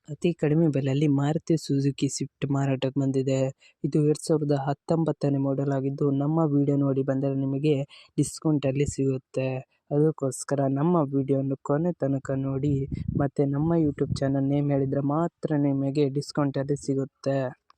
ಅತಿ ಕಡಿಮೆ ಬೆಲೆಯಲ್ಲಿ ಮಾರುತಿ ಸುಜುಕಿ ಸ್ವಿಫ್ಟ್ ಮಾರಾಟಕ್ಕೆ ಬಂದಿದೆ. ಇದು 2019ನೇ ಮಾಡೆಲ್ ಆಗಿದ್ದು, ನಮ್ಮ ವಿಡಿಯೋ ನೋಡಿ ಬಂದರೆ ನಿಮಗೆ ಡಿಸ್ಕೌಂಟಲ್ಲಿ ಸಿಗುತ್ತೆ. ಅದಕ್ಕೋಸ್ಕರ ನಮ್ಮ ವಿಡಿಯೋವನ್ನು ಕೊನೆ ತನಕ ನೋಡಿ ಮತ್ತು ನಮ್ಮ ಯೂಟ್ಯೂಬ್ ಚಾನಲ್ ನೇಮ್ ಹೇಳಿದರೆ ಮಾತ್ರ ನಿಮಗೆ ಡಿಸ್ಕೌಂಟಲ್ಲಿ ಸಿಗುತ್ತೆ.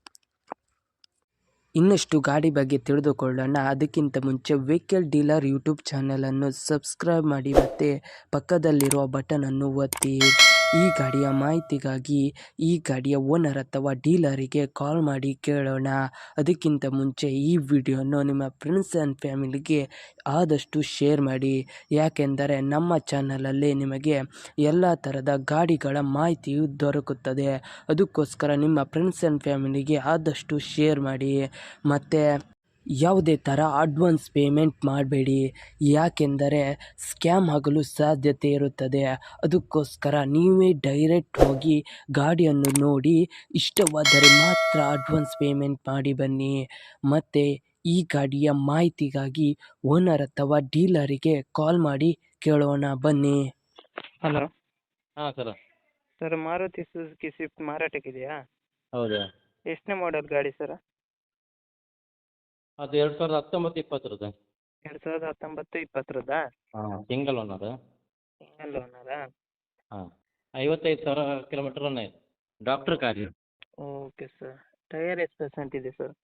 ಇನ್ನಷ್ಟು ಗಾಡಿ ಬಗ್ಗೆ ತಿಳಿದುಕೊಳ್ಳೋಣ. ಅದಕ್ಕಿಂತ ಮುಂಚೆ ವೆಹಿಕಲ್ ಡೀಲರ್ ಯೂಟ್ಯೂಬ್ ಚಾನಲನ್ನು ಸಬ್ಸ್ಕ್ರೈಬ್ ಮಾಡಿ ಮತ್ತು ಪಕ್ಕದಲ್ಲಿರುವ ಬಟನನ್ನು ಒತ್ತಿ. ಈ ಗಾಡಿಯ ಮಾಹಿತಿಗಾಗಿ ಈ ಗಾಡಿಯ ಓನರ್ ಅಥವಾ ಡೀಲರಿಗೆ ಕಾಲ್ ಮಾಡಿ ಕೇಳೋಣ. ಅದಕ್ಕಿಂತ ಮುಂಚೆ ಈ ವಿಡಿಯೋನು ನಿಮ್ಮ ಫ್ರೆಂಡ್ಸ್ ಆ್ಯಂಡ್ ಫ್ಯಾಮಿಲಿಗೆ ಆದಷ್ಟು ಶೇರ್ ಮಾಡಿ. ಯಾಕೆಂದರೆ ನಮ್ಮ ಚಾನಲಲ್ಲಿ ನಿಮಗೆ ಎಲ್ಲ ಥರದ ಗಾಡಿಗಳ ಮಾಹಿತಿಯು ದೊರಕುತ್ತದೆ. ಅದಕ್ಕೋಸ್ಕರ ನಿಮ್ಮ ಫ್ರೆಂಡ್ಸ್ ಆ್ಯಂಡ್ ಫ್ಯಾಮಿಲಿಗೆ ಆದಷ್ಟು ಶೇರ್ ಮಾಡಿ. ಮತ್ತು ಯಾವುದೇ ಥರ ಅಡ್ವಾನ್ಸ್ ಪೇಮೆಂಟ್ ಮಾಡಬೇಡಿ, ಯಾಕೆಂದರೆ ಸ್ಕ್ಯಾಮ್ ಆಗಲು ಸಾಧ್ಯತೆ ಇರುತ್ತದೆ. ಅದಕ್ಕೋಸ್ಕರ ನೀವೇ ಡೈರೆಕ್ಟ್ ಹೋಗಿ ಗಾಡಿಯನ್ನು ನೋಡಿ ಇಷ್ಟವಾದರೆ ಮಾತ್ರ ಅಡ್ವಾನ್ಸ್ ಪೇಮೆಂಟ್ ಮಾಡಿ ಬನ್ನಿ. ಮತ್ತು ಈ ಗಾಡಿಯ ಮಾಹಿತಿಗಾಗಿ ಓನರ್ ಅಥವಾ ಡೀಲರಿಗೆ ಕಾಲ್ ಮಾಡಿ ಕೇಳೋಣ ಬನ್ನಿ. ಹಲೋ ಹಾಂ ಸರ್, ಮಾರುತಿ ಸುಜುಕಿ ಸ್ವಿಫ್ಟ್ ಮಾರಾಟಕ್ಕಿದೆಯಾ? ಹೌದಾ? ಎಷ್ಟನೇ ಮಾಡೆಲ್ ಗಾಡಿ ಸರ್? ಅದು 2019-20 2019-20 ಹಾಂ, ಸಿಂಗಲ್ ಓನರ್. ಸಿಂಗಲ್ ಓನರಾ? ಹಾಂ, 55,000 ಕಿಲೋಮೀಟರ್ ರನ್ ಆಯಿತು. ಡಾಕ್ಟ್ರ್ ಕಾರ್ ಇದು. Okay sir. ಟೈರ್ ಎಷ್ಟು ಪರ್ಸೆಂಟ್ ಇದೆ ಸರ್?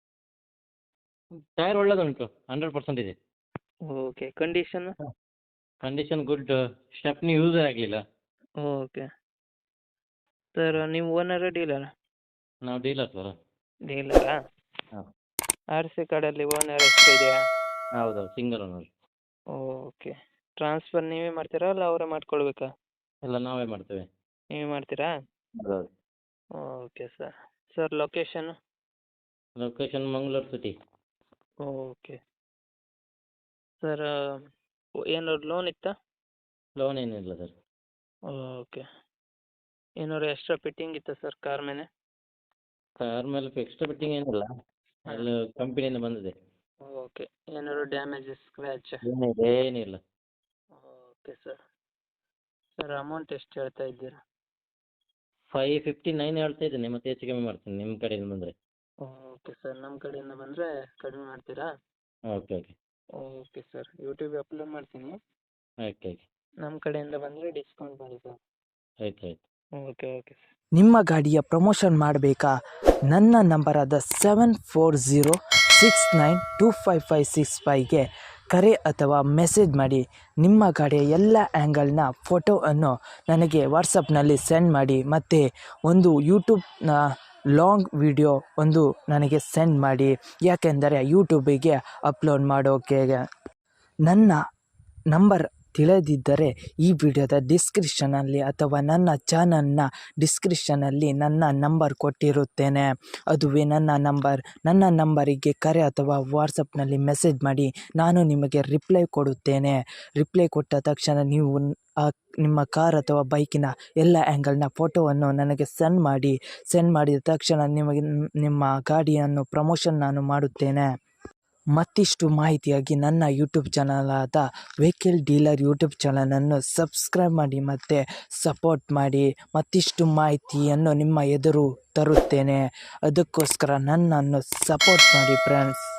ಟೈರ್ ಒಳ್ಳೆದುಂಟು, 100% ಇದೆ. Okay. Condition? Condition good. Stepney ಯೂಸೇ ಆಗಲಿಲ್ಲ. Okay sir. ನೀವು ಓನರಾ ಡೀಲರಾ? ನಾವು ಡೀಲರ್ ಸರ್. ಡೀಲರಾ? ಹಾಂ. ಆರ್ ಸಿ ಕಾರ್ಡಲ್ಲಿ ಓನರ್ ಎಷ್ಟು ಇದೆಯಾ? ಹೌದು, ಸಿಂಗಲ್ ಓನರ್. ಓಕೆ. ಟ್ರಾನ್ಸ್ಫರ್ ನೀವೇ ಮಾಡ್ತೀರಾ ಅಲ್ಲ ಅವರೇ ಮಾಡ್ಕೊಳ್ಬೇಕಾ? ಎಲ್ಲ ನಾವೇ ಮಾಡ್ತೇವೆ. ನೀವೇ ಮಾಡ್ತೀರಾ? ಹೌದು. Okay sir. Sir, location? Location Mangaluru city. Okay sir. ಏನಾದ್ರು ಲೋನ್ ಇತ್ತಾ? ಲೋನ್ ಏನಿಲ್ಲ ಸರ್. ಓಕೆ. ಏನಾದ್ರು ಎಕ್ಸ್ಟ್ರಾ ಫಿಟ್ಟಿಂಗ್ ಇತ್ತಾ ಸರ್ ಕಾರ್ ಮೇಲೆ? ಕಾರ್ ಮೇಲೆ ಎಕ್ಸ್ಟ್ರಾ ಫಿಟ್ಟಿಂಗ್ ಏನಿಲ್ಲ, ಅಲ್ಲಿ ಕಂಪನಿಯಿಂದ ಬಂದಿದೆ. ಓಕೆ. ಏನಾದ್ರು ಡ್ಯಾಮೇಜ್, ಸ್ಕ್ರ್ಯಾಚ್? ಏನಿಲ್ಲ. Okay sir. ಸರ್, ಅಮೌಂಟ್ ಎಷ್ಟು ಹೇಳ್ತಾ ಇದ್ದೀರಾ? 559 ಹೇಳ್ತಾ ಇದ್ದೀನಿ, ಮತ್ತೆ ಹೆಚ್ಚು ಕಮ್ಮಿ ಮಾಡ್ತೀನಿ ನಿಮ್ಮ ಕಡೆಯಿಂದ ಬಂದರೆ. Okay sir. ನಮ್ಮ ಕಡೆಯಿಂದ ಬಂದರೆ ಕಡಿಮೆ ಮಾಡ್ತೀರಾ? Okay okay okay sir. ಯೂಟ್ಯೂಬಿಗೆ ಅಪ್ಲೋಡ್ ಮಾಡ್ತೀನಿ. ಓಕೆ ಓಕೆ ನಮ್ಮ ಕಡೆಯಿಂದ ಬಂದರೆ ಡಿಸ್ಕೌಂಟ್ ಮಾಡಿ ಸರ್. ಆಯ್ತು ಆಯ್ತು. Okay okay sir. ನಿಮ್ಮ ಗಾಡಿಯ ಪ್ರಮೋಷನ್ ಮಾಡಬೇಕಾ? ನನ್ನ ನಂಬರಾದ 7406925565ಗೆ ಕರೆ ಅಥವಾ ಮೆಸೇಜ್ ಮಾಡಿ. ನಿಮ್ಮ ಗಾಡಿಯ ಎಲ್ಲ ಆ್ಯಂಗಲ್ನ ಫೋಟೋವನ್ನು ನನಗೆ ವಾಟ್ಸಪ್ನಲ್ಲಿ ಸೆಂಡ್ ಮಾಡಿ. ಮತ್ತು ಒಂದು ಯೂಟ್ಯೂಬ್ನ ಲಾಂಗ್ ವಿಡಿಯೋ ಒಂದು ನನಗೆ ಸೆಂಡ್ ಮಾಡಿ, ಯಾಕೆಂದರೆ ಯೂಟ್ಯೂಬಿಗೆ ಅಪ್ಲೋಡ್ ಮಾಡೋಕೆ. ನನ್ನ ನಂಬರ್ ತಿಳಿದಿದ್ದರೆ ಈ ವಿಡಿಯೋದ ಡಿಸ್ಕ್ರಿಪ್ಷನಲ್ಲಿ ಅಥವಾ ನನ್ನ ಚಾನಲ್ನ ಡಿಸ್ಕ್ರಿಪ್ಷನಲ್ಲಿ ನನ್ನ ನಂಬರ್ ಕೊಟ್ಟಿರುತ್ತೇನೆ. ಅದುವೇ ನನ್ನ ನಂಬರ್. ನನ್ನ ನಂಬರಿಗೆ ಕರೆ ಅಥವಾ ವಾಟ್ಸಪ್ನಲ್ಲಿ ಮೆಸೇಜ್ ಮಾಡಿ, ನಾನು ನಿಮಗೆ ರಿಪ್ಲೈ ಕೊಡುತ್ತೇನೆ. ರಿಪ್ಲೈ ಕೊಟ್ಟ ತಕ್ಷಣ ನೀವು ನಿಮ್ಮ ಕಾರ್ ಅಥವಾ ಬೈಕಿನ ಎಲ್ಲ ಆ್ಯಂಗಲ್ನ ಫೋಟೋವನ್ನು ನನಗೆ ಸೆಂಡ್ ಮಾಡಿ. ಸೆಂಡ್ ಮಾಡಿದ ತಕ್ಷಣ ನಿಮಗೆ ನಿಮ್ಮ ಗಾಡಿಯನ್ನು ಪ್ರಮೋಷನ್ ನಾನು ಮಾಡುತ್ತೇನೆ. ಮತ್ತಿಷ್ಟು ಮಾಹಿತಿಯಾಗಿ ನನ್ನ ಯೂಟ್ಯೂಬ್ ಚಾನಲಾದ ವೆಹಿಕಲ್ ಡೀಲರ್ ಯೂಟ್ಯೂಬ್ ಚಾನಲನ್ನು ಸಬ್ಸ್ಕ್ರೈಬ್ ಮಾಡಿ ಮತ್ತು ಸಪೋರ್ಟ್ ಮಾಡಿ. ಮತ್ತಿಷ್ಟು ಮಾಹಿತಿಯನ್ನು ನಿಮ್ಮ ಎದುರು ತರುತ್ತೇನೆ. ಅದಕ್ಕೋಸ್ಕರ ನನ್ನನ್ನು ಸಪೋರ್ಟ್ ಮಾಡಿ ಫ್ರೆಂಡ್ಸ್.